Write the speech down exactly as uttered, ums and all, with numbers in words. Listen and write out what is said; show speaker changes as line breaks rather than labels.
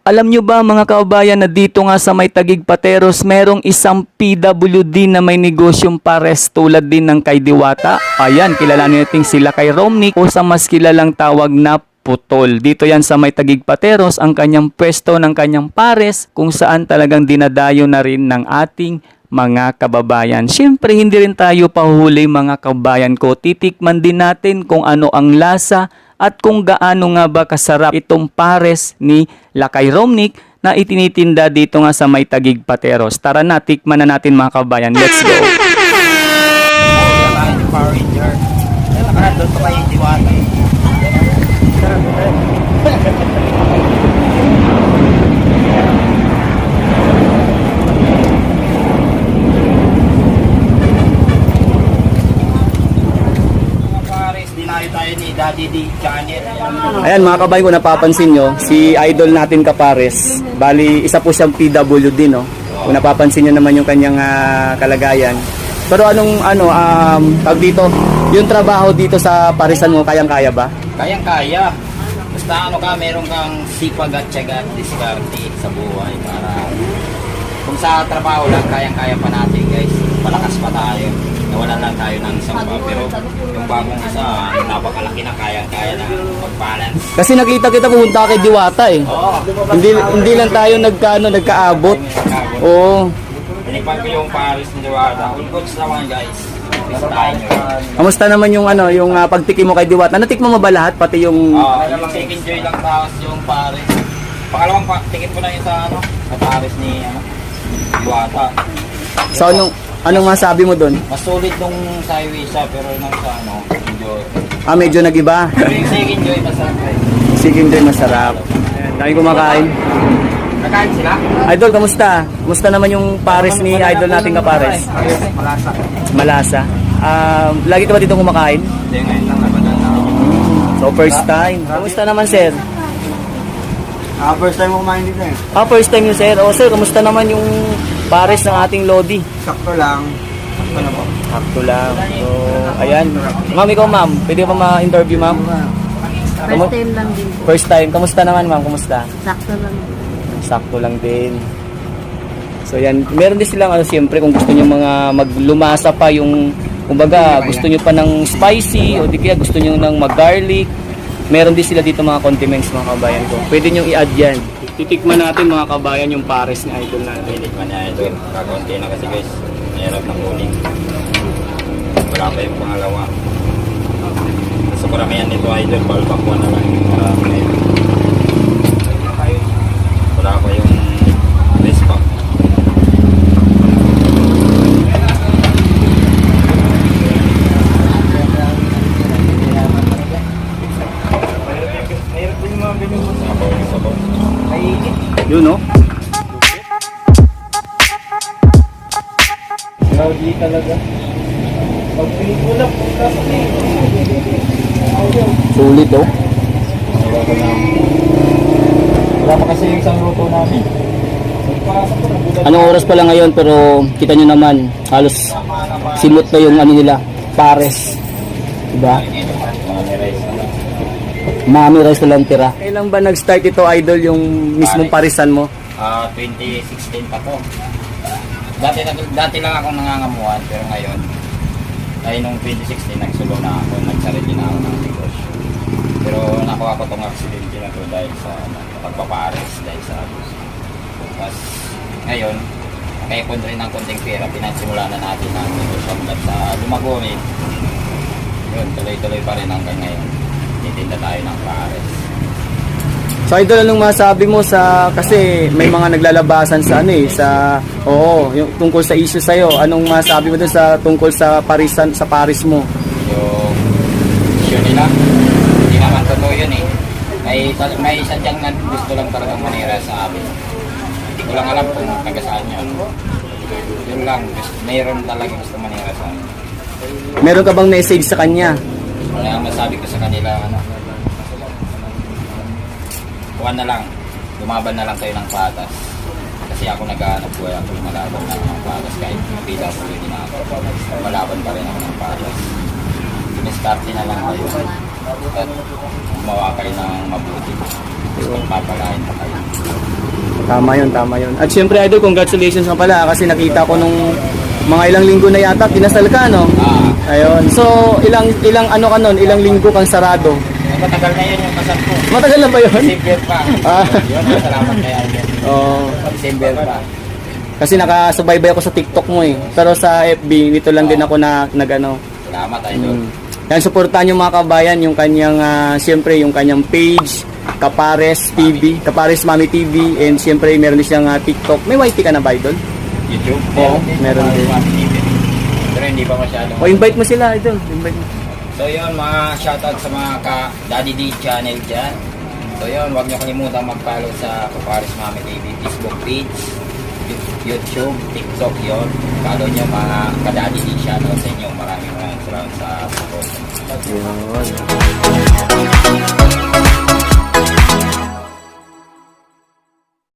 Alam nyo ba mga kababayan na dito nga sa may Taguig Pateros, merong isang P W D na may negosyong pares tulad din ng kay Diwata. Ayan, kilalanin natin sila kay Romnick o sa mas kilalang tawag na Putol. Dito yan sa may Taguig Pateros ang kanyang pwesto ng kanyang pares kung saan talagang dinadayo na rin ng ating mga kababayan. Siyempre hindi rin tayo pahuhuli mga kababayan ko. Titikman din natin kung ano ang lasa at kung gaano nga ba kasarap itong pares ni Lakay Romnick na itinitinda dito nga sa may Taguig Pateros. Tara na, tikman na natin mga kababayan. Let's go!
Power Ranger. Doon pa kayo Diwata. Tayo ni Daddy D Channel.
Ayan mga kababayan ko, napapansin nyo, si idol natin Kapares, bali isa po siyang P W D, no? Kung napapansin nyo naman yung kanyang uh, kalagayan. Pero anong ano, um, tag dito, yung trabaho dito sa parisan mo, kayang-kaya ba?
Kayang-kaya. Basta ano ka, meron kang sipag at tiyaga at diskarte sa buhay para kung sa trabaho lang, kayang-kaya pa natin guys. Malakas pa tayo. Nawalan lang tayo ng isang pa, pero yung bagong isa, napakalaki na kayang-kaya na mag-balance.
Kasi nakita kita pumunta kay Diwata eh.
Oo.
Hindi hindi lang tayo nagkaano nagkaabot. Oo.
Pinikpan ko yung Paris ni Diwata. All goods naman guys. Bistahin nyo.
Kamusta naman yung ano, yung uh, pagtikim mo kay Diwata? Natikman mo ba lahat pati yung
Oo, yung second joy lang tapos yung Paris. Pangalawang pa, ticket ko na yung sa ano, sa Paris ni ano, Diwata.
So anong anong masabi mo doon?
Mas solid nung sa highway siya, pero nung sa ano, medyo...
Ah, medyo nag-iba.
Pero yung second joy, masarap eh.
Second joy masarap. Ayan, dami kumakain.
Kakain sila?
Idol, kamusta? Kamusta naman yung pares ni idol nating Kapares?
Malasa.
Malasa. Um, lagi ka ba dito kumakain?
Hindi, ngayon lang nabanan na ako.
So first time. Kamusta naman sir?
Ah, first time mo kumain dito eh.
Ah, first time yun sir. O sir, kamusta naman yung pares ng ating Lodi?
Sakto lang. Sakto na po.
Sakto lang. So, ayan. Ma'am, ikaw ma'am. Pwede ka pa ma-interview ma'am?
First time lang din po.
First time. Kamusta naman ma'am? Kamusta?
Sakto lang.
Sakto lang din. So yan, meron din silang ano siyempre kung gusto niyo mga maglumasa pa yung kumbaga gusto niyo pa ng spicy o di kaya gusto niyo ng mag-garlic. Meron din sila dito mga condiments mga kabayan ko. Pwede niyo i-add yan. Titikman natin mga kabayan yung pares ni idol natin.
Titikman niya ito. Kakaunti na kasi guys. Mahirap ng kuning. Wala pa yung pangalawa. Sa karamihan nito idol, balbakwa na lang yung marami na ito. Wala pa yung best pack. Sabaw yung sabaw.
Yun no? Grabe talaga. Sulit oh.
Wala pa kasi yung isang luto namin.
Anong oras pa lang ngayon pero kita nyo naman halos simot na yung ano nila, pares. Diba? Mami rice na lang tira. Kailan ba nag-start ito idol yung mismong parisan mo?
Ah, twenty sixteen pa to. Dati, dati lang akong nangangamuhan pero ngayon ay nung twenty sixteen nagsulo na ako, nagsarili na ako ng negosyo. Pero nakuha ko tong accident na to dahil sa ano, pagpapares dahil sa abuse. Tapos ngayon, nakaipon rin ng konting pera, pinansimula na natin ang negosyo hanggang sa lumago rin. Yun, tuloy-tuloy pa rin hanggang ngayon. Titinda tayo ng pares.
So idol, anong masabi mo sa, kasi may mga naglalabasan sa ano eh, sa, oo, yung tungkol sa issue sa'yo, anong masabi mo dun sa tungkol sa parisan, sa paris mo?
Yung issue nila, hindi naman totoo yun eh. May, may sadyang na gusto lang talagang manira sa amin. Hindi ko lang alam kung taga saan yun. Yun lang, gusto, mayroon talaga gusto manira sa amin.
Meron ka bang message sa kanya?
Wala ang masabi ko sa kanila, ano, kuha na lang, lumaban na lang kayo ng patas. Kasi ako nag-aanap buhay, ako lumalaban na ng patas kahit P W D na ako. Lumalaban pa rin ako ng patas. Diskarte na lang kayo at gumawa kayo ng mabuti. Tapos pagpapalain pa kayo.
Tama yun, tama yun. At syempre, idol, congratulations nga pala kasi nakita ko nung mga ilang linggo na yata, kinasal ka, no?
Ah,
Ayun. So, ilang ilang ano ka nun? Ilang linggo kang sarado?
matagal na yun yung kasal ko.
Matagal na ba yun?
December pa.
Ah.
Yun, salamat kay Alden.
Oo.
December pa.
Kasi nakasubaybay ako sa TikTok mo eh. Pero sa F B, dito lang din ako na nagano.
Salamat, idol.
Mm. Yan, supportahan yung mga kabayan, yung kanyang, ah, siyempre, yung kanyang page, Kapares T V, Kapares Mami T V, and siyempre, meron din siyang ah, TikTok. May Y T ka na ba, idol?
YouTube?
Oo, meron din.
Pero hindi pa masyadong.
O, invite mo sila, idol. Invite mo.
So yun, mga shoutout sa mga ka Daddy D channel dyan. So yun, huwag nyo kalimutan mag-follow sa Kapares Mami T V Facebook page, YouTube, TikTok yun. Follow nyo mga ka Daddy D channel sa inyo. Maraming maraming salamat sa support.
Yun.